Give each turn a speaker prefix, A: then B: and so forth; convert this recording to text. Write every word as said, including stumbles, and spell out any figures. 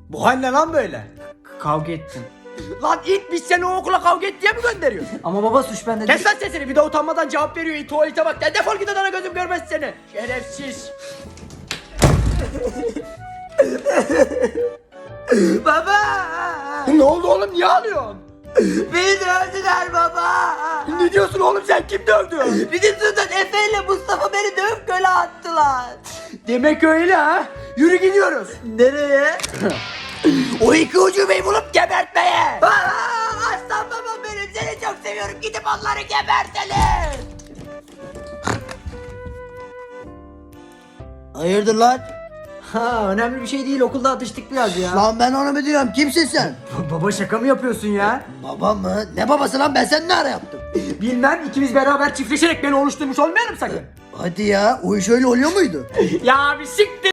A: Bu hal ne lan böyle?
B: Kavga ettim.
A: Lan it biz seni o okula kavga et diye mi gönderiyoruz?
B: Ama baba suç bende
A: Kes lan sesini, bir de utanmadan cevap veriyor, it tuvalete bak. De defol git odana, gözüm görmez seni. Şerefsiz.
B: Baba!
A: Ne oldu oğlum, niye ağlıyorsun?
B: Beni dövdüler baba!
A: Ne diyorsun oğlum, sen kim dövdü?
B: Bizim sınıftan Efe ile Mustafa beni dövüp göle attılar.
A: Demek öyle ha? Yürü gidiyoruz.
B: Nereye?
A: O iki ucubeyi bulup gebertmeye.
B: Aa, aslan babam benim, seni çok seviyorum, gidip onları gebertelim.
C: Hayırdır lan?
B: Ha, önemli bir şey değil, okulda atıştık biraz ya.
C: Lan ben onu mu diyorum? Kimsin sen?
B: Baba şaka mı yapıyorsun ya?
C: Baba mı? Ne babası lan? Ben sen ne ara yaptım?
A: Bilmem, ikimiz beraber çiftleşerek beni oluşturmuş olmayalım sakın.
C: Hadi ya. O iş öyle oluyor muydu?
A: Ya bir siktir.